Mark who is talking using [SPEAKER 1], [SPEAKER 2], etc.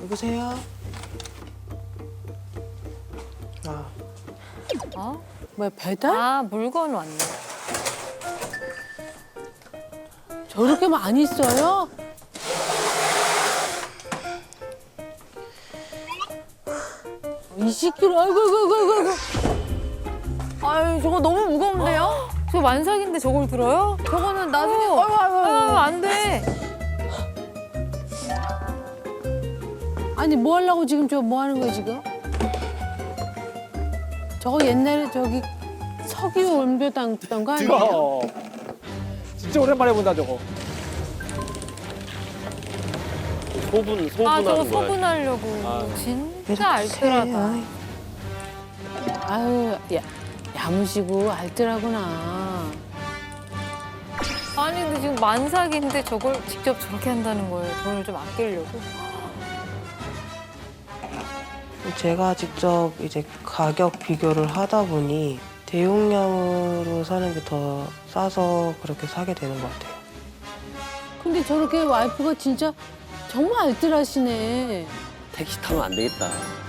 [SPEAKER 1] 누구세요?
[SPEAKER 2] 어?
[SPEAKER 3] 뭐야, 배달?
[SPEAKER 2] 아, 물건 왔네.
[SPEAKER 3] 저렇게 많이 써요? (20kg) 아이고 아이고 아이고 아이고.
[SPEAKER 4] 아유, 저거 너무 무거운데요?
[SPEAKER 2] 저 만삭인데 저걸 들어요?
[SPEAKER 4] 저거는 나중에
[SPEAKER 2] 안 돼.
[SPEAKER 3] 아니 뭐 하려고 지금 저 뭐 하는 거야 지금? 저거 옛날에 저기 석유 원료 담던 거 아니에요?
[SPEAKER 5] 진짜 오랜만에 본다 저거.
[SPEAKER 2] 아, 저거
[SPEAKER 6] 소분하는 거야.
[SPEAKER 2] 소분하려고. 진짜 알뜰하다.
[SPEAKER 3] 아유 야무지고 알뜰하구나.
[SPEAKER 2] 아니, 근데 지금 만삭인데 저걸 직접 저렇게 한다는 거예요. 돈을 좀 아끼려고.
[SPEAKER 1] 제가 직접 이제 가격 비교를 하다 보니 대용량으로 사는 게 더 싸서 그렇게 사게 되는 것 같아요.
[SPEAKER 3] 근데 저렇게 와이프가 진짜 정말 알뜰하시네.
[SPEAKER 6] 택시 타면 안 되겠다.